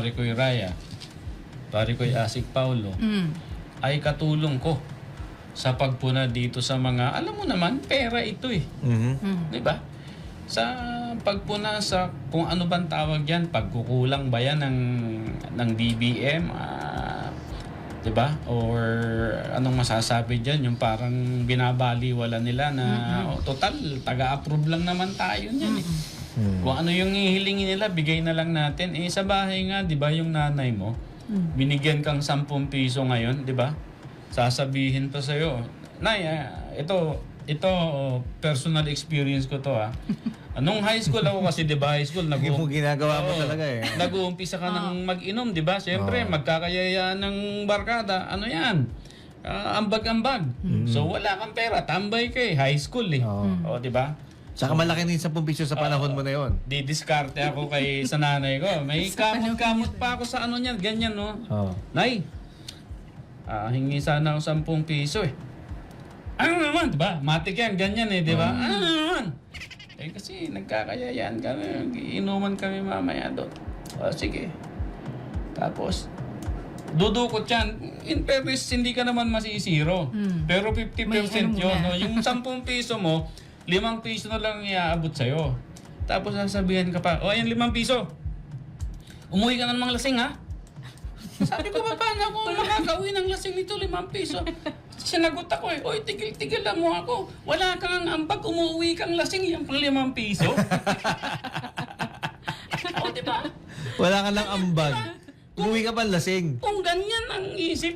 pare ko'y Raya, pare ko'y Asik Paulo, ay katulong ko sa pagpuna dito sa mga, alam mo naman, pera ito eh. Di ba? Sa pagpuna sa kung ano bang tawag yan, pagkukulang ba yan ng DBM, di ba? Or anong masasabi dyan, yung parang binabaliwala nila na total, taga-approve lang naman tayo niyan eh. Kung ano yung ihilingin nila, bigay na lang natin. Eh sa bahay nga, di ba yung nanay mo, binigyan kang 10 piso ngayon, di ba? Sasabihin pa sa'yo, Nay, ito personal experience ko to Nung high school ako kasi, di ba, high school, Hindi mo ginagawa mo talaga eh. nag-uumpisa ka ng mag-inom, di ba? Siyempre, magkakayayaan ng barkada, ano yan? Ambag-ambag. So wala kang pera, tambay ka eh, high school eh. O, di ba? Saka malaki din 10 piso sa panahon mo na yon. Didiskarte ako sa nanay ko. May kamot-kamot pa ako sa ano niyan, ganyan no. Nay, hingi sana ako 10 piso eh. Ano naman, di ba? Matik yan, ganyan eh, di ba? Ano naman? Eh kasi nagkakayayaan kami, inuman kami mamaya doon. O sige. Tapos, dudukot yan. In fairness, hindi ka naman masisiro. Pero 50% yun. No? Yung 10 piso mo, 5 piso na lang iaabot sa'yo. Tapos sasabihan ka pa, ayan 5 piso. Umuwi ka na namang lasing ha? Sabi ko, paano ako makakauwi ng lasing nito 5 piso? Sinagot ako eh, oy, tigil-tigil lang mo ako. Wala kang ambag, umuwi kang lasing, yan pang 5 piso. O, diba? Wala ka lang ambag. Umuwi ka pa lasing. Kung ganyan ang isip